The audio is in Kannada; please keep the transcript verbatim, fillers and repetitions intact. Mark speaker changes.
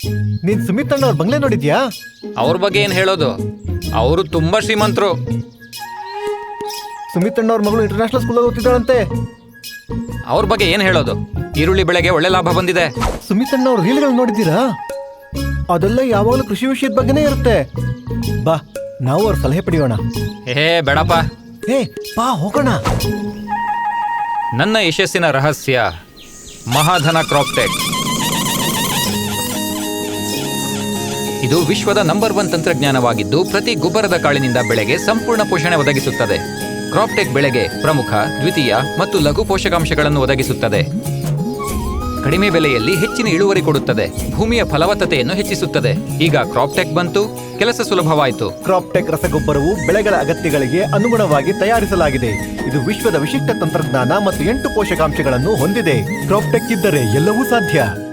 Speaker 1: ನೀನ್ ಸುಮಿತ್ ಅಣ್ಣ ಅವ್ರ ಬಂಗ್ಲೆ ನೋಡಿದ್ಯಾ?
Speaker 2: ಅವ್ರ ಬಗ್ಗೆ ಏನ್ ಹೇಳೋದು, ಅವರು ತುಂಬಾ ಶ್ರೀಮಂತರು.
Speaker 1: ಸುಮಿತ್ ಅಣ್ಣ ಅವ್ರ ಮಗಳು ಇಂಟರ್ನ್ಯಾಷನಲ್ ಸ್ಕೂಲ್ ಓದ್ತಿದ್ದಾಳಂತೆ.
Speaker 2: ಅವ್ರ ಬಗ್ಗೆ ಏನ್ ಹೇಳೋದು, ಈರುಳ್ಳಿ ಬೆಳೆಗೆ ಒಳ್ಳೆ ಲಾಭ ಬಂದಿದೆ.
Speaker 1: ಸುಮಿತ್ ಅಣ್ಣ ಅವ್ರ ರೀಲ್ಗಳು ನೋಡಿದ್ದೀರಾ? ಅದೆಲ್ಲ ಯಾವಾಗಲೂ ಕೃಷಿ ವಿಷಯದ ಬಗ್ಗೆನೇ ಇರುತ್ತೆ. ಬಾ ನಾವು ಅವ್ರ ಸಲಹೆ ಪಡೆಯೋಣ.
Speaker 2: ಏ ಬೇಡಪ್ಪ,
Speaker 1: ಏ ಬಾ ಹೋಗೋಣ.
Speaker 2: ನನ್ನ ಯಶಸ್ಸಿನ ರಹಸ್ಯ ಮಹಾಧನ ಕ್ರಾಪ್ಟೆಕ್. ಇದು ವಿಶ್ವದ ನಂಬರ್ ಒನ್ ತಂತ್ರಜ್ಞಾನವಾಗಿದ್ದು ಪ್ರತಿ ಗೊಬ್ಬರದ ಕಾಳಿನಿಂದ ಬೆಳೆಗೆ ಸಂಪೂರ್ಣ ಪೋಷಣೆ ಒದಗಿಸುತ್ತದೆ. ಕ್ರಾಪ್ಟೆಕ್ ಬೆಳೆಗೆ ಪ್ರಮುಖ, ದ್ವಿತೀಯ ಮತ್ತು ಲಘು ಪೋಷಕಾಂಶಗಳನ್ನು ಒದಗಿಸುತ್ತದೆ. ಕಡಿಮೆ ಬೆಲೆಯಲ್ಲಿ ಹೆಚ್ಚಿನ ಇಳುವರಿ ಕೊಡುತ್ತದೆ. ಭೂಮಿಯ ಫಲವತ್ತತೆಯನ್ನು ಹೆಚ್ಚಿಸುತ್ತದೆ. ಈಗ ಕ್ರಾಪ್ಟೆಕ್ ಬಂತು, ಕೆಲಸ ಸುಲಭವಾಯಿತು.
Speaker 1: ಕ್ರಾಪ್ಟೆಕ್ ರಸಗೊಬ್ಬರವು ಬೆಳೆಗಳ ಅಗತ್ಯಗಳಿಗೆ ಅನುಗುಣವಾಗಿ ತಯಾರಿಸಲಾಗಿದೆ. ಇದು ವಿಶ್ವದ ವಿಶಿಷ್ಟ ತಂತ್ರಜ್ಞಾನ ಮತ್ತು ಎಂಟು ಪೋಷಕಾಂಶಗಳನ್ನು ಹೊಂದಿದೆ. ಕ್ರಾಪ್ಟೆಕ್ ಇದ್ದರೆ ಎಲ್ಲವೂ ಸಾಧ್ಯ.